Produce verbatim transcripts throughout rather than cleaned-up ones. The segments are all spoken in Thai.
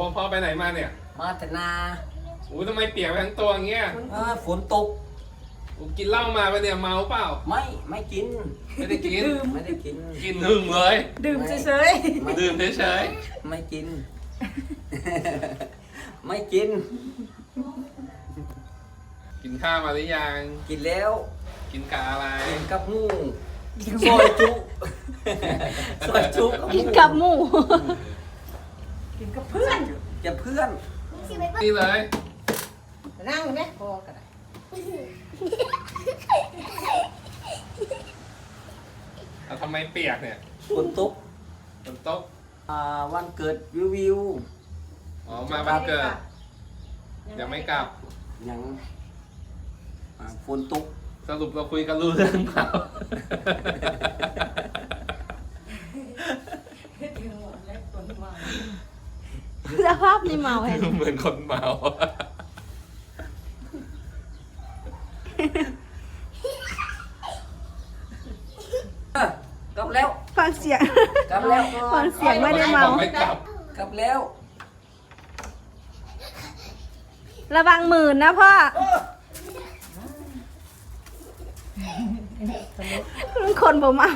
พ่อไปไหนมาเนี่ยมาแต่นาอู้ทำไมเปียกไปทั้งตัวอย่างเงี้ยเออฝนตกอู้กินเหล้ามาปะเนี่ยเมาเปล่าไม่ไม่กินไม่ได้กินไม่ได้กินกินหึงเลยดื่มเฉยไม่ดื่มเฉยไม่กิน ไม่กินๆกินข้าวมาหรือยังกินแล้วกินกะอะไรกินกับหมูซอยจุซอยจุๆกินกับหมูกินกับเพื่อนจะเพื่อนนี่เลยนั่งไหมพอกันแต่ทำไมเปียกเนี่ยฝนตกฝนตกอ่าวันเกิดวิววิวอ๋อมาบ้านเกิดยังไม่กลับยังอ่าฝนตกสรุปเราคุยกันรู้เรื่องเปล่าสภาพนี่เมาเห็นเหมือนคนเมาเอ้อกลับแล้วฟังเสียงกลับแล้วฟังเสียงไม่ได้เมาไม่กลับกลับแล้วระวังหมื่นนะพ่อคนบ่เมา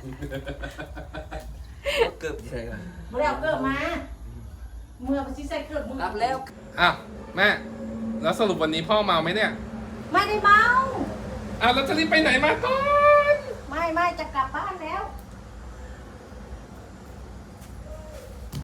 เกือบใช่ไหมเมื่อเกิดมา เมื่อไปใส่เกิดมือกลับแล้วอ้าวแม่แล้วสรุปวันนี้พ่อเมาไหมเนี่ยไม่ได้เมาอ้าวแล้วจะรีบไปไหนมาก่อนไม่ไม่จะกลับบ้านแล้